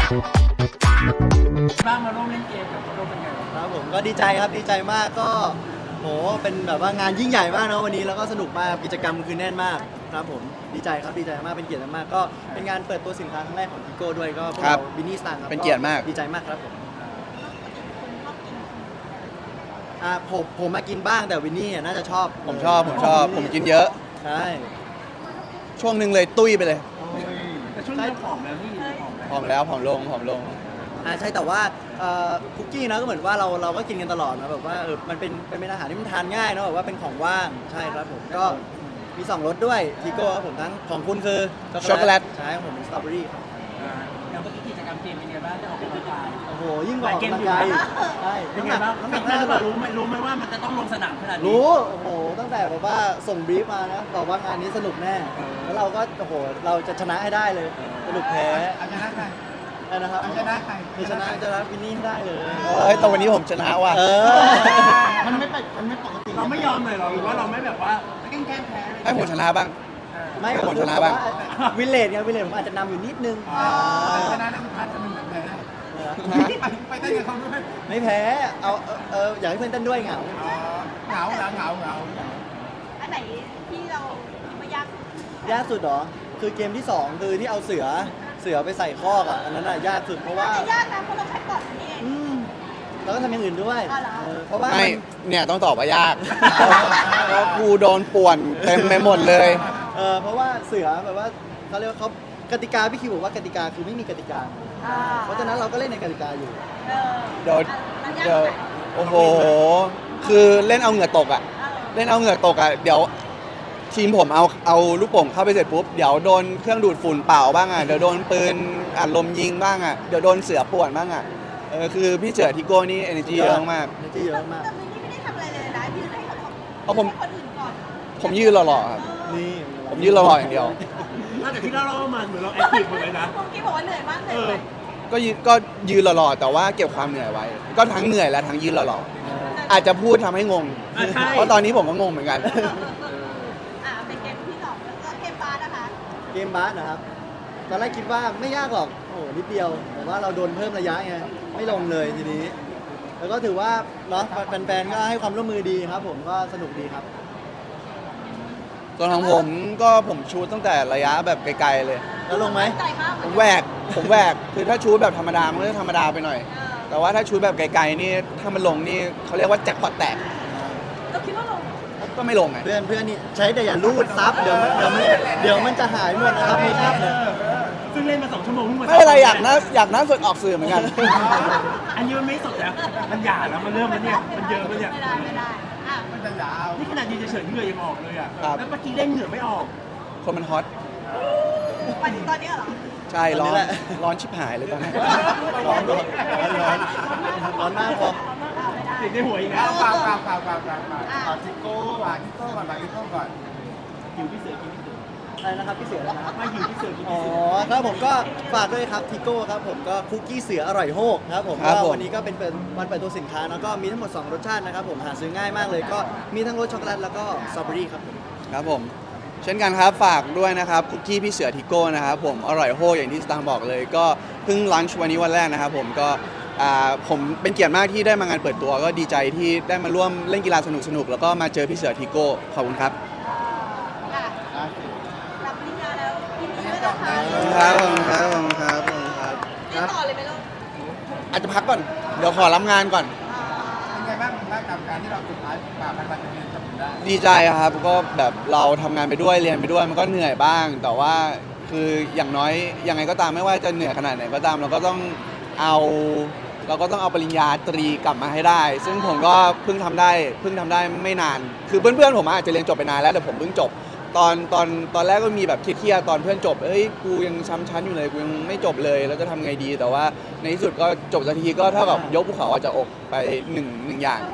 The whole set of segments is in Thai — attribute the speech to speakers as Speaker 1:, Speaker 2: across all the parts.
Speaker 1: บ้างมาร่วมเล่นเกมกับโรเป็นไง
Speaker 2: ครับผมก็ดีใจครับดีใจมากก็โหเป็นแบบว่างานยิ่งใหญ่มากนะวันนี้แล้วก็สนุกมากกิจกรรมคือแน่นมากครับผมดีใจครับดีใจมากเป็นเกียรติมากก็เป็นงานเปิดตัวสินค้าครั้งแรกของทิโก้ด้วยก็พวกเราบินนี่สตางค์ครับ
Speaker 3: เป็นเกียรติมาก
Speaker 2: ดีใจมากครับผมผมมากินบ้างแต่วินนี่น่าจะชอบ
Speaker 3: ผมชอบผมกินเยอะ
Speaker 2: ใช่
Speaker 3: ช่วงหนึ่งเลยตุ้ยไปเลย
Speaker 1: แต่ช่วงนี้ผอมแล้วนี่
Speaker 3: ผอมแล้วผอมลง
Speaker 2: ใช่แต่ว่าคุกกี้นะก็เหมือนว่าเราก็กินกันตลอดนะแบบว่ามันเป็นอาหารที่มันทานง่ายเนาะแบบว่าเป็นของว่างใช่ครับผมก็มี2รสด้วยทิโก้ครับผมทั้งของคุณคือ
Speaker 3: ช็อกโกแลต
Speaker 2: ใช่ของผมเป็นสตรอเบอรี่
Speaker 1: แล้วเมื่อกี้กิจกรรมเกมเป็นไงบ้างได้ออกกำลังกาย
Speaker 2: โอ้โหยิ่งกว่าออกกำลังกายใช่
Speaker 1: เป็นไงบ้างน้ำหนักน่าจะรู้ไหมว่ามันจะต้องลงสนามขนาดนี้
Speaker 2: รู้โอ้โหตั้งแต่แบบว่าส่งบรีฟมานะบอกว่างานนี้สนุกแน่แล้วเราก็โอ้โหเราจะชนะให้ได้เลยสนุกแพ้
Speaker 1: ชนะใคร
Speaker 2: นะครับ
Speaker 1: ชนะใคร
Speaker 2: ชนะวินนี่ได้เลย
Speaker 3: แต่วันนี้ผมชนะว่ะ
Speaker 1: มันไม่ปกติเราไม่ยอมเลยหรอหรือว่าเราไม่แบบว่าแกล้งแพ้
Speaker 3: ให้ผมชนะบ้าง
Speaker 2: ไม่
Speaker 3: ผมชนะบ้าง
Speaker 2: วิลเลจไงวิลเลจผมอาจจะนำอยู่นิดนึง
Speaker 1: ชนะนักพัฒน์จะเป็นแบบไหนไปเต้นกับเขาด้วย
Speaker 2: ไม่แพ้เอาอยากให้เพื่อนเต้นด้วยเหงา
Speaker 4: อันไหนที่เราไม่
Speaker 2: ยากสุดเหรอคือเกมที่2คือที่เอาเสือไปใส่คอกอ่ะอันนั้นยากสุดเพราะว่า
Speaker 4: ยากนะเพราะเราใช้ก่อนนี่เอง
Speaker 2: แล้วก็ทำอย่างอื่นด้วยเพราะว่า
Speaker 3: ไม่เนี่ยต้องตอบว่ายากเพราะกูโดนป่วนเต็มไปหมดเลย
Speaker 2: เพราะว่าเสือแบบว่าเขาเรียกว่าเขากติกาพี่คิวบอกว่ากติกาคือไม่มีกติกาเพราะฉะนั้นเราก็เล่นในกติกาอยู่
Speaker 3: เดี๋ยวโอ้โหคือเล่นเอาเหงื่อตกอ่ะเล่นเอาเหงื่อตกอ่ะเดี๋ยวทีมผมเอาลูกโป่งเข้าไปเสร็จปุ๊บเดี๋ยวโดนเครื่องดูดฝุ่นเป่าบ้างอ่ะเดี๋ยวโดนปืนอัดลมยิงบ้างอ่ะเดี๋ยวโดนเสือป่วนบ้างอ่ะคือพี่เจ๋อทิโก้นี่ energy เยอะมาก
Speaker 2: energy เยอะมาก
Speaker 4: แต่นี่ไม่ได้ทำอะไรเลยนะยืนให้คนอื่นก่อน
Speaker 3: ผมยืนหล่อๆครับ
Speaker 2: นี่
Speaker 3: ผมยืนหล่อๆอย่างเดียว
Speaker 1: แต่ที่เรามาเหมือนเราแอคทีฟหมดเลยนะ
Speaker 4: เมื่อกี้บอกว่าเหนื่อยมากเลย
Speaker 3: ก็ยืนหล่อๆแต่ว่าเก็บความเหนื่อยไว้ก็ทั้งเหนื่อยและทั้งยืนหล่อๆอาจจะพูดทำให้งงเพราะตอนนี้ผมก็งงเหมือนกัน
Speaker 4: เป็นเกมที่2แล้วเกมบาสนะคะ
Speaker 2: เกมบาสนะครับตอนแรกคิดว่าไม่ยากหรอกโอ้นิดเดียวแต่ว่าเราโดนเพิ่มระยะไงไม่ลงเลยทีนี้แล้วก็ถือว่าเนาะแฟนๆก็ให้ความร่วมมือดีครับผมก็สนุกดีครับ
Speaker 3: ส่วนของผมก็ผมชูตตั้งแต่ระยะแบบไกลๆเลย
Speaker 2: แล้วลงไหม
Speaker 3: ผมแหวกคือถ้าชูตแบบธรรมดามันก็จะธรรมดาไปหน่อยแต่ว่าถ้าชูตแบบไกลๆนี่ถ้ามันลงนี่เขาเรียกว่าแจ็คพอตแตก
Speaker 4: เราคิดว่าลง
Speaker 3: ก็ไม่ลงไง
Speaker 2: เพื่อนนี่ใช้แต่อย่าลูดซับเดี๋ยวมันจะหายหมดนะครับมีภาพเนี่ย
Speaker 1: ซึ่งเล่นมา2 ชั่วโมงเพิ่งมา
Speaker 3: ไม่อะไรอยากน่าสดออกสื่อเหมือนกัน
Speaker 1: อันนี้มันไม่สดแล้วมันหยาแล้วมันเริ่มแล้วเนี่ยมันเยอะแล้วเนี่ย
Speaker 4: ไม่ได้
Speaker 1: มันจะยาวนี่ขนาดยืนเฉยๆเหงื่อยังออกเลยอ่ะแล้วเมื่อกี้เล่นเหงื่อไม่ออก
Speaker 3: คนมันฮอต
Speaker 4: ไปถึงตอนนี้เหรอ
Speaker 3: ใช่ร้อนชิบหายเลยตอนนี้
Speaker 2: ร้อนมากพอ
Speaker 1: ติดในหัวอีกแล้วทิโก้ก่อนหิวพี่เสือ
Speaker 2: อะไรนะครับพี่เสือนะครับ
Speaker 1: มาหิวพี่เสือ
Speaker 2: ครับผมก็ฝากด้วยครับทิโก้ครับผมก็คุกกี้เสืออร่อยโฮกครับผมก็วันนี้ก็เป็นวันเปิดตัวสินค้าแล้วก็มีทั้งหมด2รสชาตินะครับผมหาซื้อง่ายมากเลยก็มีทั้งรสช็อกโกแลตแล้วก็สตรอเบอรี่ครับ
Speaker 3: ครับผมเช่นกันครับฝากด้วยนะครับคุกกี้พี่เสือทิโก้นะครับผมอร่อยโฮอย่างที่สตางค์บอกเลยก็เพิ่งลันช์วันนี้วันแรกนะครับผมก็ผมเป็นเกียรติมากที่ได้มางานเปิดตัวก็ดีใจที่ได้มาร่วมเล่นกีฬาสนุกๆแล้วก็มาเจอพี่เสือทิโก้ขอบคุณครับ
Speaker 4: รับปริญญาแล้วยินดีด้วยนะคะ
Speaker 3: ครับ
Speaker 4: ต่อเลยไหมลูก
Speaker 3: อาจจะพักก่อนเดี๋ยวขอรับงานก่อน
Speaker 1: เป็นไงบ้างกับการที่เราสุดท้ายฝ่าฟันวันนี้จนได้
Speaker 3: ดีใจครับก็แบบเราทำงานไปด้วยเรียนไปด้วยมันก็เหนื่อยบ้างแต่ว่าคืออย่างน้อยยังไงก็ตามไม่ว่าจะเหนื่อยขนาดไหนก็ตามเราก็ต้องเอาปริญญาตรีกลับมาให้ได้ซึ่งผมก็เพิ่งทำได้ไม่นานคือเพื่อนๆผมอาจจะเรียนจบไปนานแล้วแต่ผมเพิ่งจบตอนแรกก็มีแบบเครียดตอนเพื่อนจบกูยังช้ำชั้นอยู่เลยกูยังไม่จบเลยแล้วจะทำไงดีแต่ว่าในที่สุดก็จบสักทีก็เท่ากับยกภูเขาออกจากอกไปหนึ่งอย่าง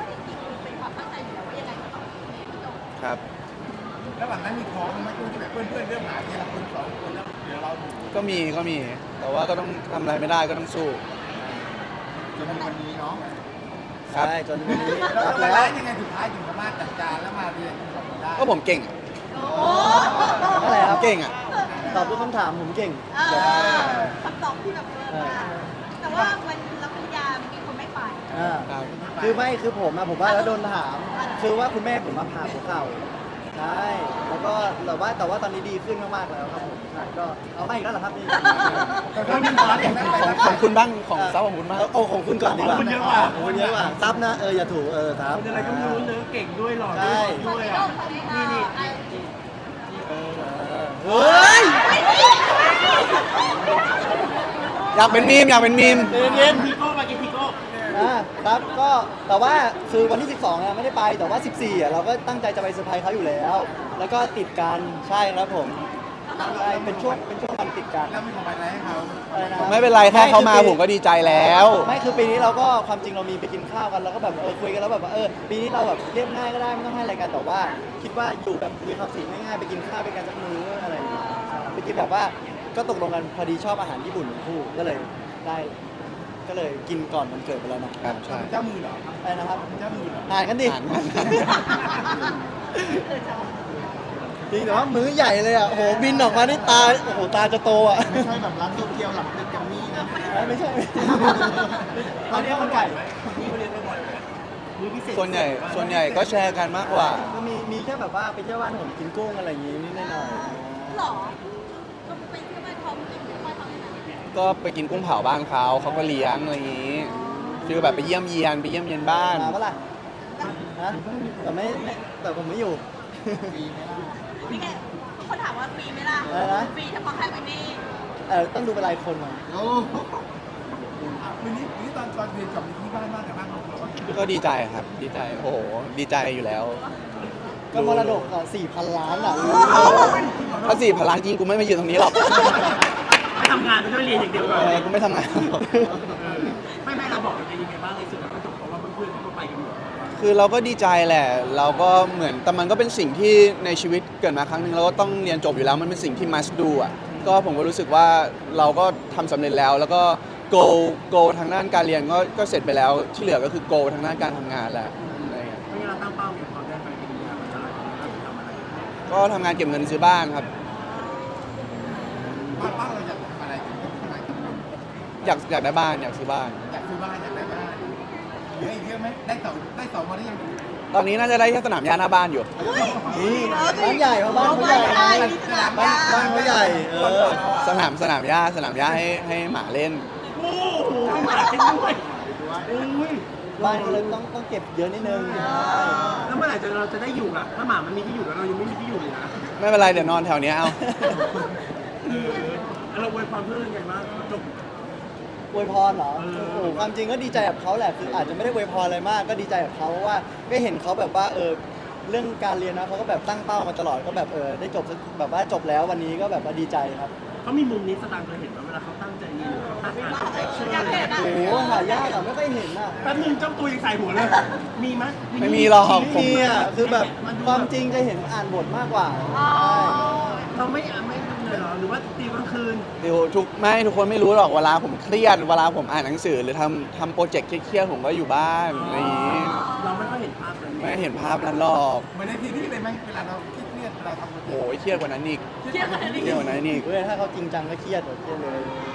Speaker 3: ครับ
Speaker 1: ระหว่างนั้นมีท้องไหมที่แบบเพื่อนเริ่มหาที่เราคน2 คนแล้วเดี๋ยวเรา
Speaker 3: ก็มีแต่ว่าก็ต้องทำอะไรไม่ได้ก็ต้องสู้
Speaker 1: จนวันนี้เนาะ
Speaker 2: ใช่จนวันนี้
Speaker 1: แล้วยังไงสุดท้ายถึงสามารถจัดการแล้วมาเรียนได้
Speaker 3: ก็ผมเก่ง
Speaker 2: อะไรครับ
Speaker 3: เก่ง
Speaker 2: ตอบทุกคำถามผมเก่ง
Speaker 4: คำตอบที่แบบเยอะมากแต่ว่าวันรับปริญญามีคนไม่ไป
Speaker 2: อ่า
Speaker 3: ครับ
Speaker 2: คือไม่คือผมอะผมว่าแล้วโดนถาม คือว่าคุณแม่ผมมาผ่าหัวเข่าใช่แล้วก็แต่ว่าตอนนี้ดีขึ้นมากๆแล้วครับผมใช่ก็เอาไม่อีกแล้วเหรอครับนี่
Speaker 3: ของคุณบ้างของซับของคุณบ้าง
Speaker 2: เอาของคุณก่อนดีกว่า
Speaker 1: ของคุณเยอะกว่า
Speaker 2: ของคุณเยอะกว่าซับนะอย่าถูกซับ
Speaker 1: คนอะไรก็ไม่รู้เนื้อเก่งด้วยหล่อ
Speaker 2: ใช่
Speaker 1: ด้วยอ่ะนี่นี่
Speaker 2: เฮ้ย
Speaker 3: อยากเป็นมีมอยากเป็นมีม
Speaker 2: เย็น
Speaker 1: ทีโก้มากินทีโก้
Speaker 2: ครับก็แต่ว่าคือวันที่ 12เนี่ยไม่ได้ไปแต่ว่า 14อ่ะเราก็ตั้งใจจะไปเซอร์ไพรส์เขาอยู่แล้ว แล้วก็ติดกันใช่ครับผมใช่เป็นช่วงวันติดกัน
Speaker 1: แล้วมีของอะไรให้เขา
Speaker 2: อะไรนะครับ
Speaker 3: ไม่เป็นไรแค่เขามาผมก็ดีใจแล้ว
Speaker 2: ไม่คือปีนี้เราก็ความจริงเรามีไปกินข้าวกันเราก็แบบคุยกันแล้วแบบว่าปีนี้เราแบบเรียบง่ายก็ได้ไม่ต้องให้อะไรกันแต่ว่า คิดว่าอยู่แบบมีความสีง่ายๆไปกินข้าวไปกันสักมื้ออะไรอย่างเงี้ยไปกินแบบว่าก็ตกลงกันพอดีชอบอาหารญี่ปุ่นทั้งคู่ก็เลยได้ก็เลยกินก่อนวันเกิดไปแล้วนะครับ
Speaker 3: ใช่
Speaker 1: เจ้ามือเหรอ
Speaker 2: อะไรนะครับ
Speaker 1: เจ้ามือเหรอ
Speaker 2: อ่านกันดิ
Speaker 3: อ่านกัน
Speaker 2: จริงแต่ว่ามื้อใหญ่เลยอ่ะโอ้โหบินออกมานี่ตาโอ้โหตาจะโตอ่ะ
Speaker 1: ไม่ใช่แบบร้านโตเกียวหลังตึกแกรมมี่นะ
Speaker 2: ไม่ใช่
Speaker 1: ตอนนี้มันไก่ไหมนี่เขาเรียกว่าบ่อยไหมมื้อพิเศษ
Speaker 3: ส่วนใหญ่ก็แชร์กันมากกว่า
Speaker 2: ก็มีแค่แบบว่าไปเที่ยวบ้านผมกินกุ้งอะไรอย่างงี้นิดหน่อย
Speaker 4: หรอก็ไปเที่ยวบ้านเขาไปเที่ยวบ้านเขาที่ไหน
Speaker 3: ก็ไปกินกุ้งเผาบ้านเขาก็เลี้ยงอะไรอย่างนี้ฟีลแบบไปเยี่ยมเยียนบ้าน
Speaker 2: มาปะล่ะนะแต่ผมไม่อยู่
Speaker 4: นี่ไงเขาถามว่าฟรีไหมล่ะ
Speaker 2: อะไรนะ
Speaker 4: ฟรีเฉพาะแค่วันนี้
Speaker 2: ต้องดูเป็นรายคนหน่อย
Speaker 1: โอ้วันนี้ตอนเรียนกลับที่บ้านบ้านแต่บ้านของเรา
Speaker 3: ก็ดีใจครับดีใจโอ้โหดีใจอยู่แล้ว
Speaker 2: ก็มรดกอ่ะ4,000 ล้านอ่ะ
Speaker 3: ถ้า4,000 ล้านจริงกูไม่มายืนตรงนี้หรอก
Speaker 1: ไม่ทำงานไม่ได้เรียนอย่างเดียวก่อน
Speaker 3: กูไม่ทำงานหรอก
Speaker 1: ไม่เราบอกเป็นยังไงบ้างในส่วนของจบเพราะว่าเพื่อนๆเขาก็ไปกันหมด
Speaker 3: คือเราก็ดีใจแหละ เราก็เหมือนแต่มันก็เป็นสิ่งที่ในชีวิตเกิดมาครั้งหนึ่งเราก็ต้องเรียนจบอยู่แล้วมันเป็นสิ่งที่ must do อ่ะก็ผมก็รู้สึกว่าเราก็ทำสำเร็จแล้ว แล้วก็ go ทางด้านการเรียนก็เสร็จไปแล้วที่เหลือก็คือ go ทางด้านการทำงานแหละอะไรเงี้ย
Speaker 1: ไม่งั้นเราตั้งเป้าอย่างตอนได้ไปเป็นยามันจะอะไรเราทำอะไร
Speaker 3: ก็ทำงานเก็บเงินซื้อบ้านครับ
Speaker 1: บ้านเราอยากทำอะไรทำไม
Speaker 3: อยากได้บ้านอยากซื้อบ้าน
Speaker 1: อยากซื้อบ้านอยากได้บ้านเยอะอีกเยอะไหมได้เสามาได้ยัง
Speaker 3: ตอนนี้น่าจะได้แค่สนามหญ้าหน้าบ้านอยู่
Speaker 2: นี่บ้านใหญ่เพราะบ้านเขาใหญ่ไงบ้านเขาใหญ่
Speaker 3: สนามหญ้าให้หมาเล่น
Speaker 1: โอ้โหหมาเป็นด้วยอุ้ย
Speaker 2: บ้านเขาเลยต้องเก็บเยอะนิดนึง
Speaker 1: แล้วเมื่อไหร่เราจะได้อยู่ล่ะถ้าหมามันมีที่อยู่แล้วเรายังไม่มีที่อยู่เลยนะ
Speaker 3: ไม่เป็นไรเดี๋ยวนอนแถวเนี้ยเอา
Speaker 1: เราอวยความเพื่อนยังไงบ้างจบ
Speaker 2: อวยพรเหรอ โอ้โห ความจริงก็ดีใจกับเขาแหละ คืออาจจะไม่ได้อวยพรอะไรมาก ก็ดีใจกับเขาเพราะว่าก็เห็นเขาแบบว่าเรื่องการเรียนนะเขาก็แบบตั้งเป้ามาตลอด ก็แบบได้จบแบบว่าจบแล้ววันนี้ก็แบบว่าดีใจครับ
Speaker 1: เขามีมุมนี้สตางค์เคยเห็นว่าเวลาเขาตั้งใจเรียนเขาตั้งอ่านเชื่อ
Speaker 4: อยากเห็นอ่ะ
Speaker 2: โอ้โหหายากอ่ะไม่ค่อยเห็นอ่ะ
Speaker 1: แป๊บนึงเจ้าตัวยังใส่หัวเลย มีไหม
Speaker 3: ไม่มีหรอก
Speaker 2: ไม่มีอ่ะ คือแบบความจริงจะเห็นอ่านบทมากกว่า
Speaker 1: เราไม่เลยเหรอหรือว่าตีกลางคืน
Speaker 3: เดี๋ยวทุกคนไม่รู้หรอกเวลาผมเครียดเวลาผมอ่านหนังสือหรือทำโปรเจกต์เครียดๆผมก็อยู่บ้านอะไรอย่างนี้
Speaker 1: เราไม่ค่อยเห็นภาพนั้น
Speaker 3: ไม่เห็นภาพนั้นหรอก
Speaker 1: เหมือนในทีวีเลยไหมเวลาเราเครียดเราทำโปรเจกต์
Speaker 3: โอ้ยเครียดกว่านั้นอีก
Speaker 4: เที่ยวกันนี่
Speaker 3: เครียดกว่านั้นอีก
Speaker 2: เว้ยถ้าเขาจริงจังก็เครียดแบบเครียดเลย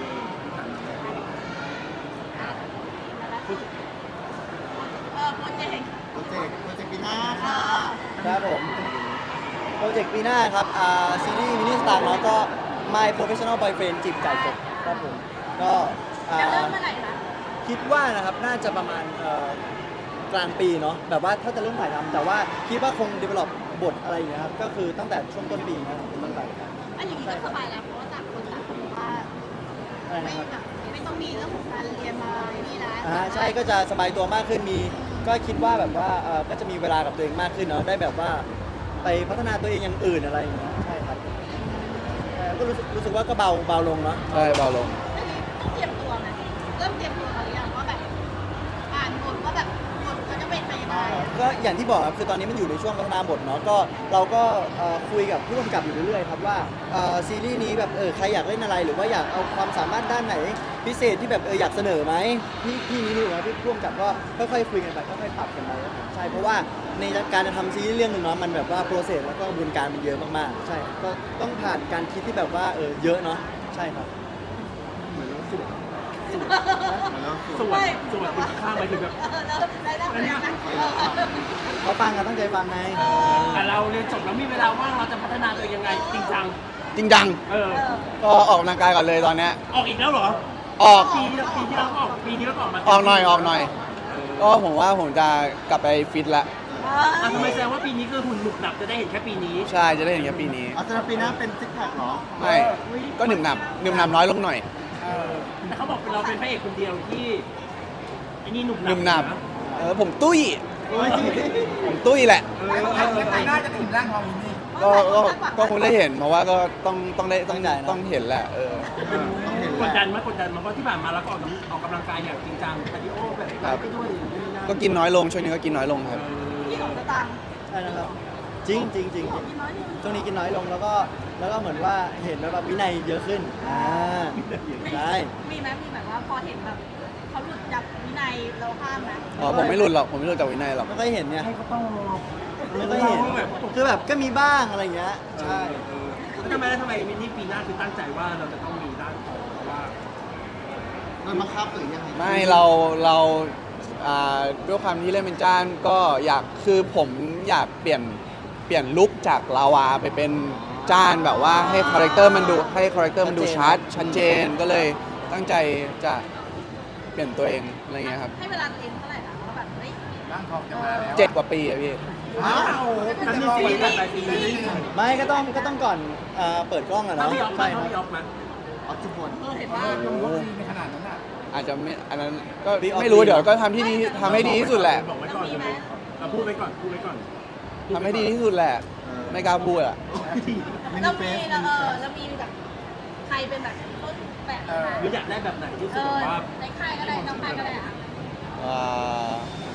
Speaker 4: โปรเจกต์
Speaker 1: โปรเจกต์ปีหน้าค่ะ
Speaker 2: ครับผม โปรเจกต์ปีหน้าครับซีรีส์มินิสตาร์เนาะก็ My Professional Boyfriend จีบจ่ายจบครับผม ก็อ่า
Speaker 4: จะเริ่มเมื่อไหร่คะ
Speaker 2: คิดว่านะครับน่าจะประมาณกลางปีเนาะแบบว่าถ้าจะเริ่มถ่ายทำแต่ว่าคิดว่าคง develop บทอะไรอย่างเงี้ยครับก็คือตั้งแต่ช่วงต้นปีนะครับเป็นต้นไป
Speaker 4: อันอย่างนี้ก็สบายแล้วเพราะว่าต่างคนต่างบอกว่า
Speaker 2: อะไร
Speaker 4: ไม่
Speaker 2: นะครับ
Speaker 4: แบบไม่ต้องมีเรื่องของการเรียนมานี่นะ
Speaker 2: ใช่ก็จะสบายตัวมากขึ้นมีก็คิดว่าแบบว่าก็จะมีเวลากับตัวเองมากขึ้นเนาะได้แบบว่าไปพัฒนาตัวเองอย่างอื่นอะไรอย่างเงี้ยใช่ครับก็รู้สึกว่าก็เบาลงเนาะ
Speaker 3: ใช่เบาลง
Speaker 4: อันนี้ต้องเตรียมตัวไหมเริ่มเตรียมตัวกันหรือยังว่าแบบอ่านบทว่าแบบบทเขาจะเป็นไปยังไง
Speaker 2: ก็อย่างที่บอกครับคือตอนนี้มันอยู่ในช่วงพัฒนาบทเนาะก็เราก็คุยกับผู้กำกับอยู่เรื่อยๆครับว่าซีรีส์นี้แบบใครอยากเล่นอะไรหรือว่าอยากเอาความสามารถด้านไหนพิเศษที่แบบอยากเสนอไหมพี่นี่รู้นะพี่ผู้กำกับก็ค่อยๆคุยกันไปค่อยๆปรับกันไปครับผมใช่เพราะว่าในการจะทำซีรีส์เรื่องหนึ่งเนาะมันแบบว่าโปรเซสแล้วก็กระบวนการมันเยอะมากๆใช่ก็ต้องผ่านการคิดที่แบบว่าเยอะเนาะใช่ครับ
Speaker 1: ส่วนคุณข้างไปถึงแบบ
Speaker 4: แล้วได้ได้ไหม
Speaker 2: เขาฟังกันตั้งใจฟังไง
Speaker 1: แต่เราเรียนจบแล้วมีเวลาว่างเราจะพัฒนาตัวเองยังไงจริงจัง
Speaker 3: จริงจัง ก็ออกกำลังกายก่อนเลยตอนเนี้ย
Speaker 1: ออกอีกแล้วเหรอ
Speaker 3: ออก
Speaker 1: ปีที่แล้วก็ออกปีที่แล้วก็ออกมา
Speaker 3: ออกหน่อยก็ผมว่าผมจะกลับไปฟิตละ
Speaker 1: ทำไมแสดงว่าปีนี้คือหุ่นหนุบหนับจะได้เห็นแค่ปีนี้
Speaker 3: ใช่จะได้เห็นแค่ปีนี้
Speaker 2: อาจจะปีหน้าเป็นซิกแพคเหรอ
Speaker 3: ไม่ก็หนึบหนับน้อยลงหน่อย
Speaker 1: แต่เขาบอกเราเป็นพระเอกคนเดียวที่ไอ้นี่หนุบหนั
Speaker 3: หนึบหนับผมตุ้ยผมตุ้ยแหละ
Speaker 1: ปีหน้าจะถึงร่างทองนี้
Speaker 3: ก็คงได้เห็นเพราะว่าก็ต้องเห็นแหละ
Speaker 1: กดดันไหมเพราะที่ผ่านมาเราก็ออกกำลังกายอย่างจริงจังคาร์ดิโอแบบไปด้วย
Speaker 3: ก็กินน้อยลงช่วงนี้ก็กินน้อยลงครับ
Speaker 4: พี่ของสตางค์
Speaker 2: ใช่นะครับจริงช่วงนี้กินน้อยลงแล้วก็เหมือนว่าเห็นแบบวินัยเยอะขึ้นใช่
Speaker 4: มีไหมมีแบบว่าพอเห็นแบบเขาหลุดจากวินัยเราห้ามไหม
Speaker 3: อ๋อผมไม่หลุดหรอกผมไม่หลุดจากวินัยหรอก
Speaker 2: ไม่ค่อยเห็นเนี่ย
Speaker 1: ให้เขาต้อง
Speaker 2: ไม่ค่อยเห็นคือแบบก็มีบ้างอะไรอย่างเงี้ยใช่
Speaker 1: ทำไมมินี่ปีหน้าคือตั้งใจว่าเราจะต้องมีด้านของเพราะว่า
Speaker 2: มันบังคับหรือยังไง
Speaker 3: ไม่เราด้วยความที่เล่นเป็นจ้านก็อยากคือผมอยากเปลี่ยนลุคจากลาวาไปเป็นจ้านแบบว่าให้คาแรคเตอร์มันดูชัดเจนก็เลยตั้งใจจะเปลี่ยนตัวเองอะไรเงี้ยครับ
Speaker 4: ให้เวลาตัวเองเท่าไหร่นะว่าแบบเฮ้ย
Speaker 1: ร่างทองจะมาแล้ว
Speaker 3: 7 กว่าปีอะพี่
Speaker 1: ว้าวนั่นนี่ปีนี้
Speaker 2: ไม่ก็ต้องก่อนเปิดกล้องอะ
Speaker 1: ถ้า
Speaker 2: เนาะ
Speaker 1: พี่ออกมา
Speaker 2: ใช่
Speaker 1: ถ้า
Speaker 2: ครับ
Speaker 1: พี่ออกมา
Speaker 2: ออกจุดบน
Speaker 4: เห็นว่า
Speaker 1: ในขนาดนั้นอ่ะ
Speaker 3: อาจจะไม่อันนั้นก็ไม่รู้เดี๋ยวก็ทำให้ดีที่สุดแหละ
Speaker 1: บอกไว้ก่อนเราพูดไว้ก่อน
Speaker 3: ทำให้ดีที่สุดแหละ ไม่กล้าพูดอะ
Speaker 4: เรามีแบบใครเป็นแบบต้นแบบนะ
Speaker 1: หรืออยากได้แบบไหนที่สุดว่า
Speaker 4: ในค่ายก็ได้น้องค่ายก็ได้อะ
Speaker 3: อ่า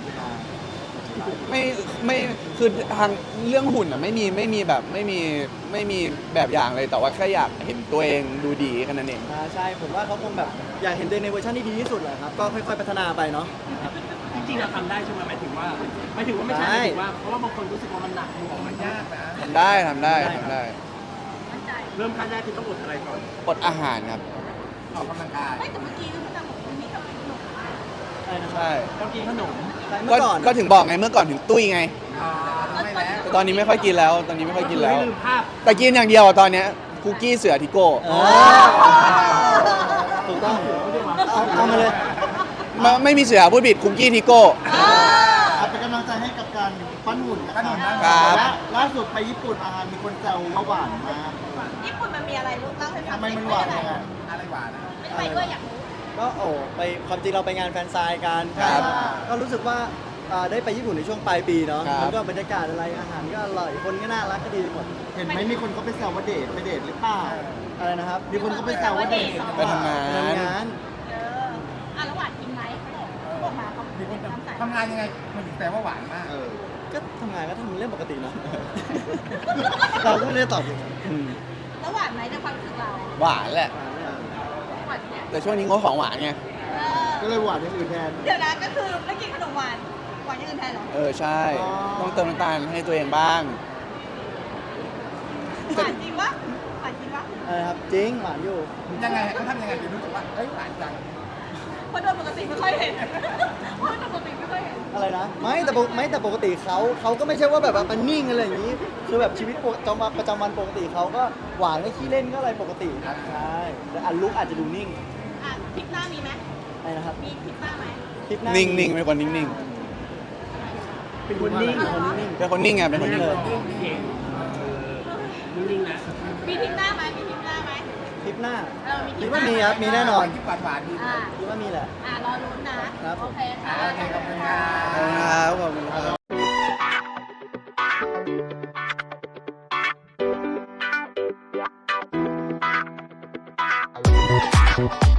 Speaker 3: ไม่คือทางเรื่องหุ่นอ่ะไม่มีแบบอย่างเลยแต่ว่าแค่อยากเห็นตัวเองดูดีแค่นั้นเอง
Speaker 2: ใช่ผมว่าเขาคงแบบอยากเห็นตัวเองในเวอร์ชันที่ดีที่สุดแหละครับก็ค่อยๆพัฒนาไปเนาะ
Speaker 1: จริงๆเราทำได้ใช่ไหมหมายถึงว่าไม่ใช่หมายถึงว่าเพราะว่าบางคนรู้สึกว่ามันหนักมันยากนะ
Speaker 3: ทำได้
Speaker 4: มั่นใจ
Speaker 1: เริ่มขั้นแรกคือต้องอดอะไรก่อน
Speaker 3: อดอาหารครับ
Speaker 1: ออกกำลังกาย
Speaker 4: ไม่แต่เมื่อกี้พี่ตังบอกว่ามีกับขนม
Speaker 3: ใช่
Speaker 1: ต้องกินขนม
Speaker 2: เมื่อก่อน
Speaker 3: ก็ถึงบอกไงเมื่อก่อนถึงตุ้ยไง
Speaker 1: ไม่แล้ว
Speaker 3: แต่ตอนนี้ไม่ค่อยกินแล้วตอนนี้ไม่ค่อยกินแล้ว
Speaker 1: ลืมภาพ
Speaker 3: แต่กินอย่างเดียวอะตอนเนี้ยคุกกี้เสือทิโก้
Speaker 2: ถูกต้องเอามาเลย
Speaker 3: ไม่มีเสือพูดผิดคุกกี้ทิโก้
Speaker 2: เป็นกำลังใจให้กับการปั้นหุ่นนะครับ
Speaker 3: ครับ
Speaker 2: ล่าสุดไปญี่ปุ่นมีคนแซวว่าหวานมาก
Speaker 4: ญี่ปุ่นมันมีอะไรลูกเล่าให้ฟัง
Speaker 2: ทำไมมันหวานยังไง
Speaker 1: อะไรหวาน
Speaker 4: ไม่ไปด้วยอยากรู้
Speaker 2: ก็ไปความจริงเราไปงานแฟนไซน์กัน
Speaker 3: ครับ
Speaker 2: ก็รู้สึกว่าได้ไปญี่ปุ่นในช่วงปลายปีเนาะ
Speaker 3: ครับ
Speaker 2: มันก็บรรยากาศอะไรอาหารก็อร่อยคนก็น่ารักก็ดีหมดเห็นไหมมีคนเขาไปแซวว่าเดทไปเดทหรือเปล่าอะไรนะครับมีคนเขาไปแซวว่าเดท
Speaker 3: ไปทำงาน
Speaker 4: แล้วหวานจริงไหมเขาบอกมาเขาเป็นน้ำใส
Speaker 1: ทำงานยังไงมันถึงแต่ว่าหวานมาก
Speaker 2: ก็ทำงานก็ทำเรื่องปกติเนาะ เราก็ไม่ได้ตอบอย่างนั้น
Speaker 4: แล้วหวานไหมในความรู้สึกเรา
Speaker 3: หวานแหละ
Speaker 4: หวานเนี่ย
Speaker 3: แต่ช่วงนี้งดของหวานไง
Speaker 2: ก็เลยหวานอย่างอื่นแทน
Speaker 4: เดี๋ยวนะก็คือไม่กินขนมหวานหวานอย่างอื่นแทนเหรอ
Speaker 3: ใช่ ต้องเติมน้ำตาลให้ตัวเองบ้าง
Speaker 4: หวานจริงปะหวานจริงปะ
Speaker 2: ครับจริงหวานอยู่
Speaker 1: ยังไงเขาทำยังไงถึงรู้สึกว่าเอ้ยหวานจัง
Speaker 4: เพราะโดยปกติไม่ค่อยเห็นเพราะโดยปกติไม่ค่อยเห็น
Speaker 2: อะไรนะไม่แต่ปกติเขาก็ไม่ใช่ว่าแบบว่ามันนิ่งอะไรอย่างนี้ คือแบบชีวิตประจำวันปกติเขาก็หวานก็ขี้เล่นก็อะไรปกติครับใช่แต่อันลุกอาจจะดูนิ่ง
Speaker 4: ทริปหน้ามีไหม
Speaker 2: อะไรนะครับ
Speaker 4: มีทริปหน้าไหม
Speaker 2: คลิปหน้า
Speaker 3: นิ่งๆเป็นคนนิ่ง
Speaker 1: เป็นคนนิ่ง
Speaker 2: เป็นคนนิ่ง
Speaker 3: ๆเป็นคนนิ่งไงเป็นคนนิ่ง
Speaker 2: เลย
Speaker 1: เก่งนิ่งๆนะ
Speaker 4: มีทริปหน้าไหมมีทริปหน้าไหม
Speaker 2: คลิปหน้า
Speaker 4: มีทริ
Speaker 2: คิ
Speaker 4: ป
Speaker 2: ด
Speaker 4: ห
Speaker 2: ว่า
Speaker 4: น้า
Speaker 2: มีครับมีแน่นอน
Speaker 1: ที่หวานๆดี
Speaker 2: คิดว่ามีแหละ
Speaker 4: รอลุ้นนะครับ โอเคค่ะ
Speaker 1: โอเคขอบคุณครับ
Speaker 3: ขอบคุณครับ